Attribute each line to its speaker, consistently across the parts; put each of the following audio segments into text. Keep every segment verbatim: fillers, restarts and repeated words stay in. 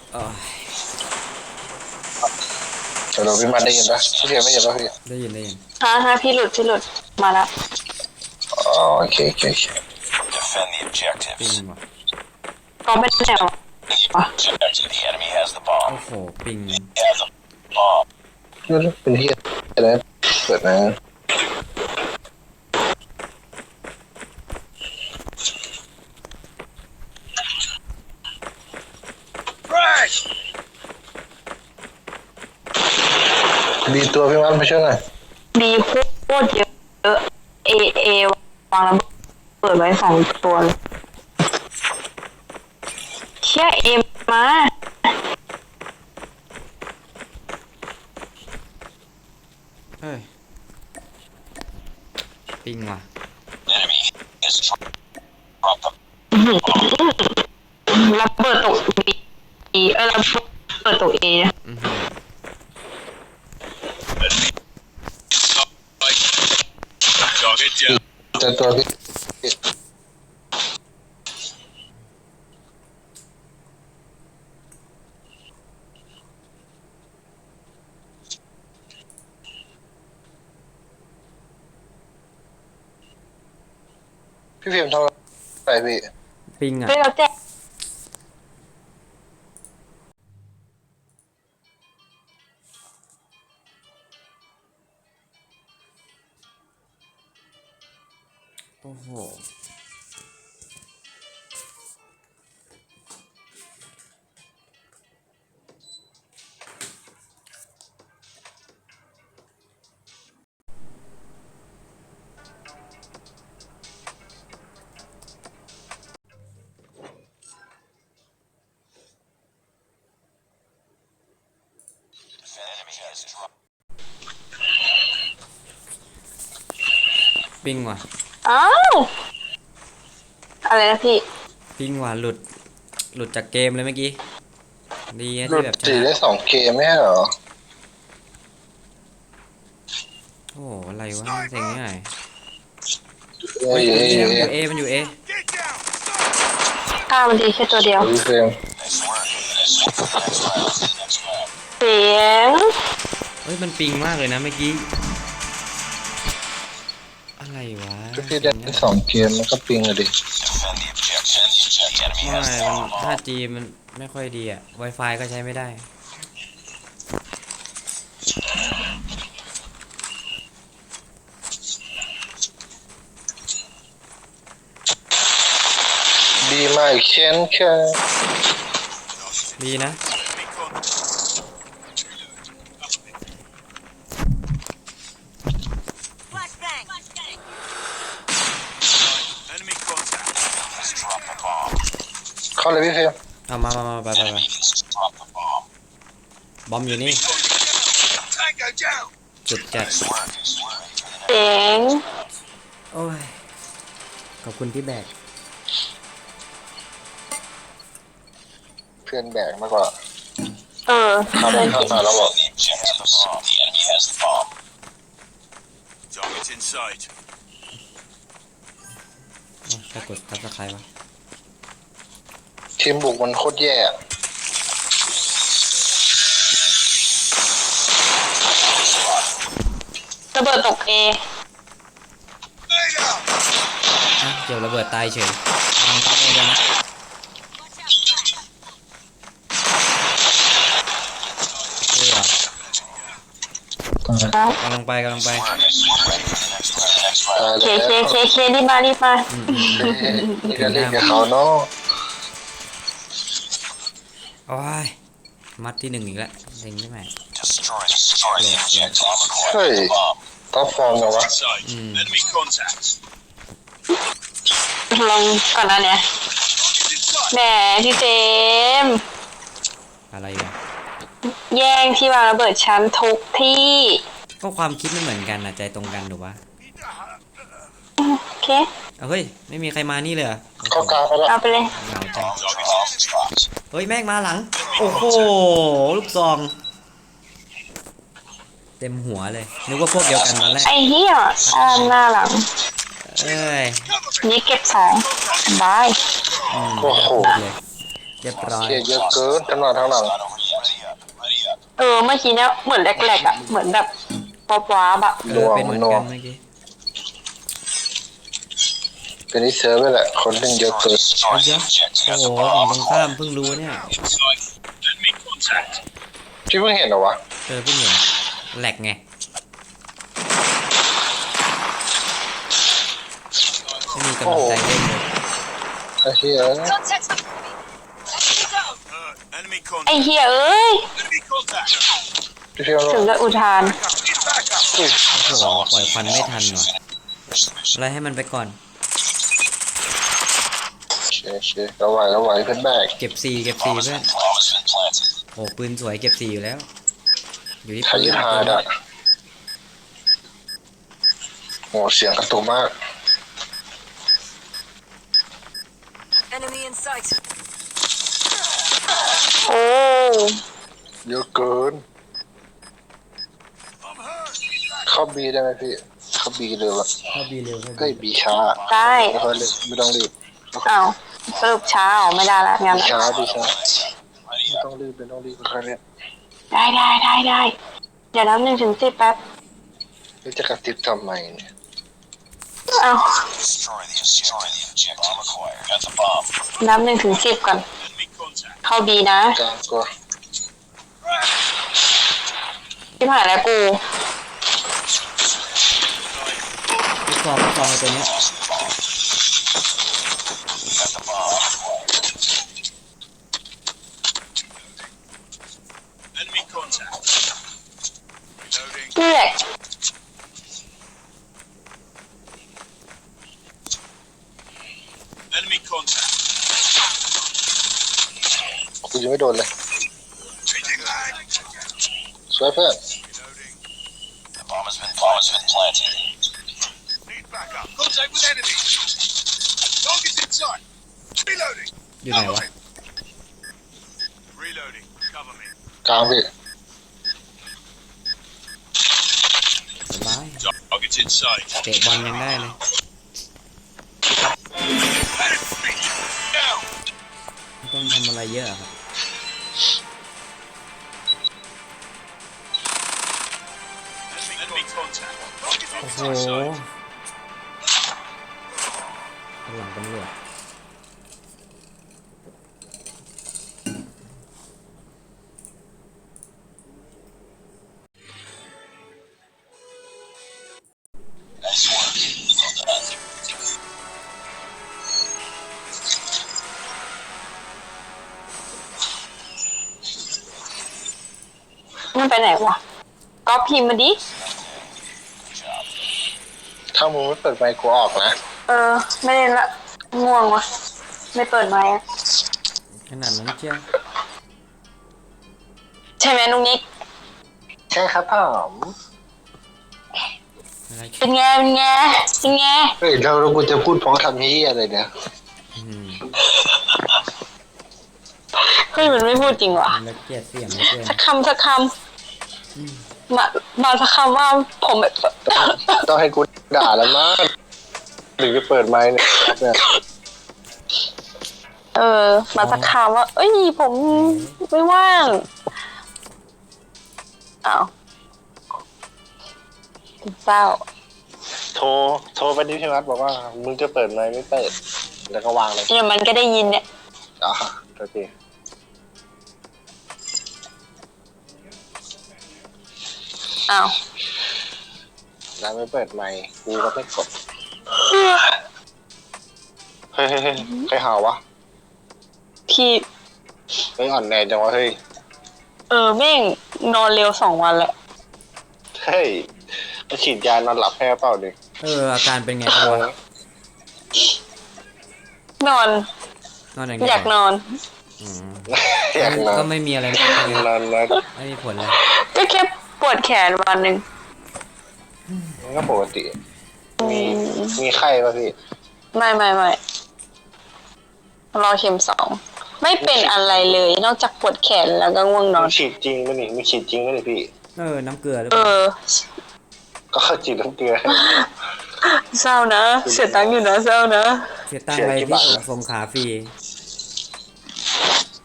Speaker 1: เดี๋ยวพี่มาได้ยินปะพี่เพียไม่ยินปะพี่
Speaker 2: ได้ยินได้ยิน
Speaker 3: ฮะฮะพี่หลุดพี่หลุดมาแล้ว
Speaker 1: อ๋อโอเคโอเค
Speaker 2: ปิงว่ะ
Speaker 3: ก็ไม่แน่หรอ
Speaker 2: โอ้โหปิง
Speaker 1: เป็นที่อะไรเปิดนะดีตัวพี่มันไปช่วยหน่อย
Speaker 3: ดีโคตรเยอะเอเอวางระเบิดไว้สองตัวเลยเชี่ยเอมา
Speaker 2: เฮ้ยปิงว่ะ
Speaker 3: ระเบิดตกบีเออระเบิดตกเอ
Speaker 1: จะตัวพี่พี่พิมพ์ทำอะไรพี่
Speaker 2: ปิงอ่ะ
Speaker 3: เฮ้ยเราแจ้
Speaker 2: โอ้โหปิงว่ะ
Speaker 3: อ้าวอะไรนะพี่
Speaker 2: ปิงว่ะหลุดหลุดจากเกมเลยเมื่อกี้ดีนะ
Speaker 1: หลุด
Speaker 2: ที่แบบช
Speaker 1: สี่
Speaker 2: นะ
Speaker 1: ได้สองเกมไม่ใช่เหรอ
Speaker 2: โอ้โหอะไรวะเซ็งง่าย
Speaker 1: เอ้ย
Speaker 2: มันอ
Speaker 1: เอ้ย
Speaker 2: ยู่เอมันอยู่เอ
Speaker 3: ข้ามันดีแค่ตัวเดียว
Speaker 1: พี่พิมพ์
Speaker 3: เสียง
Speaker 2: เฮ้ยมันปิงมากเลยนะเมื่อกี้อะไรวะ
Speaker 1: พี่ได้สองเกมมันก็ปิงเลยดิ
Speaker 2: ไม่มัน ห้าจี มันไม่ค่อยดีอ่ะ Wi-Fi ก็ใช้ไม่ได้
Speaker 1: ดีมากเช่นเคย
Speaker 2: ดีนะ
Speaker 1: เข้าเลยพี่พิมพ์
Speaker 2: เอามามามาไปไปไปบอมอยู่นี่จุดจัด
Speaker 3: เสียง
Speaker 2: โอ้ยขอบคุณที่แบก
Speaker 1: เพื่อนแบกมากกว่า
Speaker 3: เออ
Speaker 1: เข้าไปเข้ามาแล้วบอก
Speaker 2: ใครกดทับสไครต์วะ
Speaker 1: ทีมบุกมันโคตรแย่
Speaker 3: ระเบิดตกเอ
Speaker 2: อ่ะเดี๋ยวระเบิดตายเฉยทำได้ด้วยนะเฮ้ยเหรอกำลังไปกำลังไป
Speaker 3: เคเคเคเครีบมารีบมา
Speaker 1: นี่ก็เล่นกับเขาเนาะ
Speaker 2: โอ้ยมัดที่หนึ่งอีกแล้วเล็งได้ไหม
Speaker 1: เฮ้ยต้องฟอร์มเหรอวะ
Speaker 3: ลองก่อนนะเนี่ยแหมพี่เจม
Speaker 2: อะไรอ่ะ
Speaker 3: แย่งที่วางระเบิดชั้นทุกที่
Speaker 2: ก็ความคิดไม่เหมือนกันนะใจตรงกันหรือวะ
Speaker 3: โอเค
Speaker 2: เอาเฮ้ยไม่มีใครมานี่เลย
Speaker 1: เข้ากลางไปแล้ว
Speaker 3: เอาไปเลย
Speaker 2: เหงาจังเฮ้ยแม่งมาหลังโอ้โหลูกซองเต็มหัวเลยนึกว่าพวกเดียวกันตอนแรก
Speaker 3: ไอ้เหี้ยอ่าหน้าหลัง
Speaker 2: เอ้ย
Speaker 3: นี่เก็บสองบาย
Speaker 1: โอ้โห
Speaker 2: เลยเรียบร้อย
Speaker 1: เกียเยอะเกินทั้งหน้าทั้งหลัง
Speaker 3: เออเมื่อกี้เนี้ยเหมือนแรกๆอ่ะเหมือนแบบป๊อปว้าบอะ
Speaker 2: เออเป็นเหมือนกันเมื่อกี้
Speaker 1: เป็นนิสัยไปแหละคนเล่นเยอะเกิน
Speaker 2: เอาเยอะโอ้โหฝั่งตรงข้ามเพิ่งรู้เนี่ย
Speaker 1: พี่เพิ่งเห็นเหรอวะ
Speaker 2: เออเพิ่งเห็นแหลกไงไม่มีกำลังใจเล่นเลย
Speaker 1: ไอ้เหี้ย
Speaker 3: ไอ้เฮียเอ้ย
Speaker 1: พี่เพียว
Speaker 3: ถึงจะอุทาน
Speaker 1: อุ้ย
Speaker 2: โอ้โหปล่อยควันไม่ทันว่ะอะไรให้มันไปก่อน
Speaker 1: โอเคโอเคเราไหวเราไหวเพื่อนแบก
Speaker 2: เก็บซีเก็บซีเพื่อนโอ้ปืนสวยเก็บซีอยู่แล้ว อยู่ที่
Speaker 1: ทา
Speaker 2: ปื
Speaker 1: ยิ
Speaker 2: น
Speaker 1: ทาดะโอ้เสียงกระตุกมาก
Speaker 4: Enemy in sight.
Speaker 3: โอ้
Speaker 1: เยอะเกินเข้าบีได้ไหมพี่เข้าบีเลยวะ
Speaker 2: เข้าบีเร็วเข้า
Speaker 1: เฮ้ย
Speaker 2: บี
Speaker 1: บีช้า
Speaker 3: ได้
Speaker 1: ไม่ค่อยเลยไม่ต้องรีบ
Speaker 3: อ้าวสรุปเช้าไม่ได้ละงั้น
Speaker 1: บีช้าบีช้าไม่ต้องรีบไม่ต้องรีบค่อยๆเล่น
Speaker 3: ได้ได้ได้ได้เดี๋ยวนับหนึ่งถึงสิบแป๊บ
Speaker 1: แล้วจะกระติบทำไมเนี่ย
Speaker 3: อ้าวนับหนึ่งถึงสิบก่อนเข้าบีนะ
Speaker 1: กลางก็
Speaker 3: ที่ผ่านแล้วกู
Speaker 2: ลูกซองลูกซองไอ้ตัวเนี้ย
Speaker 3: เลือก
Speaker 1: กูยังไม่โดนเลยสวยเพื่อน
Speaker 2: อยู่ไหนวะ
Speaker 1: กลางพี่
Speaker 2: สบายเตะบอลยังได้เลยไม่ต้องทำอะไรเยอะครับโอ้โหหลังตำรวจ
Speaker 3: มันไปไหนวะก็พิมพ์มาดิ
Speaker 1: ถ้ามึงไม่เปิดไมค์กูออกนะ
Speaker 3: เออไม่เล่นละง่วงวะไม่เปิดไมค์อะ
Speaker 2: ขนาดนั้นเชียว
Speaker 3: ใช่ไหมนุ๊กนิก
Speaker 1: ใช่ครับผม
Speaker 2: อะไร
Speaker 3: เป็นไงเป็นไงเป็นไง
Speaker 1: เฮ้ยเราเรากูจะพูดเพราะทำนี้อะไรเนี่ย
Speaker 2: อืม
Speaker 3: เฮ้ยมันไม่พูดจริงวะ
Speaker 2: มันละเกียดเสียงเหลยเกิน
Speaker 3: สักคำสักคำมามาสักคำว่าผมแบบ
Speaker 1: ต้องให้กูด่าแล้วมั้งหรือจะเปิดไมค์เนี่ย
Speaker 3: เออมาสักคำว่าเอ้ยผมไม่ว่างอ้าวเศร้า
Speaker 1: โทรโทรไปที่พี่วัดบอกว่ามึงจะเปิดไมค์ไม่เปิดแล้วก็วางเลย
Speaker 3: เดี๋ยวมันก็ได้ยินเนี่ย
Speaker 1: อ่ะโอเค
Speaker 3: อ้าว
Speaker 1: แล้วไม่เปิดไมค์กูก็ไม่กดเฮ้ยเฮ้ยเฮ้ยใครหาวะ
Speaker 3: พี่
Speaker 1: เฮ้ยอ่อนแอจังวะเฮ้ย
Speaker 3: เออแม่งนอนเร็วสองวันแล้ว
Speaker 1: เฮ้ยไปฉีดยานอนหลับแพ้เปล่าดิ
Speaker 2: เอออาการเป็นไงบ้างวะ
Speaker 3: นอน
Speaker 2: นอนอย่าง
Speaker 3: อยากนอน
Speaker 2: อืม
Speaker 1: อยากนอ
Speaker 2: ก็
Speaker 1: น
Speaker 2: ไม่มีอะไรมากเลย
Speaker 1: นอนนอน
Speaker 2: ไม่มีผลเลย
Speaker 3: ก็แค่ปวดแขนวันหนึ่ง
Speaker 1: มันก็ปกติ มีมีไข้ป่ะพี่
Speaker 3: ไม่ไม่ไม่รอเข็มสองไม่เป็นอะไรเลย นอกจากปวดแขนแล้วก็ง่วงนอ
Speaker 1: มัน นฉีดจริงป่ะนี่มันฉีดจริงป่ะนี่พี่
Speaker 2: เออน้ำเกลือหรือ
Speaker 3: เอ
Speaker 2: เปล่า
Speaker 3: อ
Speaker 1: ก็เข้าฉีดน้ำเกลือ
Speaker 3: เศร้านะเสียตังค์อยู่นะเศร้านะ
Speaker 2: เสียตังค์ไปที่ส่งขาฟรี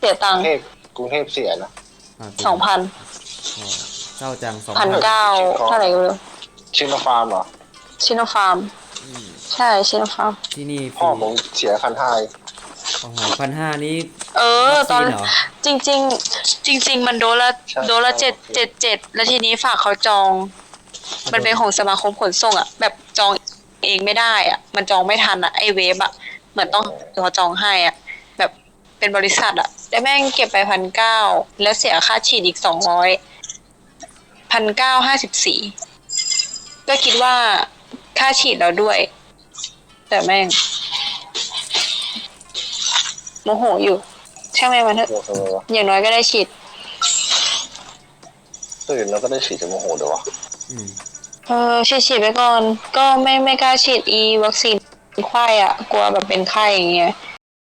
Speaker 3: เสียตังค์
Speaker 1: เทพกรุงเทพเสียนะ
Speaker 2: อ่า
Speaker 3: สองพัน
Speaker 2: โอ้เศร้าจังสอง
Speaker 3: พันเก้าเท่าไหร่ก็ไม่รู้
Speaker 1: ชิโนฟาร์มเหรอ
Speaker 3: ชิโนฟาร์ม ใช่ชิโนฟาร์ม
Speaker 2: ที่นี่ฟ
Speaker 1: พ่อ
Speaker 2: รี
Speaker 1: ผมเสียพันห้า
Speaker 2: โอ้โหพันห้านี้
Speaker 3: เออ ตอน
Speaker 2: วัคซีนเหรอ
Speaker 3: จริง ๆ จริง ๆ มันโดนละโดนละเจ็ดเจ็ดเจ็ดแล้วทีนี้ฝากเขาจอง มันเป็นของสมาคมขนส่งอ่ะ แบบจองเองไม่ได้อ่ะ มันจองไม่ทันอ่ะไอเวฟอ่ะเหมือนต้องเขาจองให้อ่ะ แบบเป็นบริษัทอ่ะแล้วแม่งเก็บไปพันเก้าแล้วเสียค่าฉีดอีกสองร้อยพันเก้าห้าสิบสี่ก็คิดว่าค่าฉีดเราด้วย แต่แม่งโมโหอยู่ช่างแม่งมันเถอะ
Speaker 1: โมโหทำไมวะ
Speaker 3: อย่างน้อยก็ได้ฉีด
Speaker 1: ตื่นแล้วก็ได้ฉีดจะโมโหเดี๋ยววะ
Speaker 2: อืม
Speaker 3: เออฉีดฉีดไปก่อน ก็ไม่ไม่กล้าฉีดอีวัคซีนไข้อ่ะ กลัวแบบเป็นไข้อย่างเงี้ย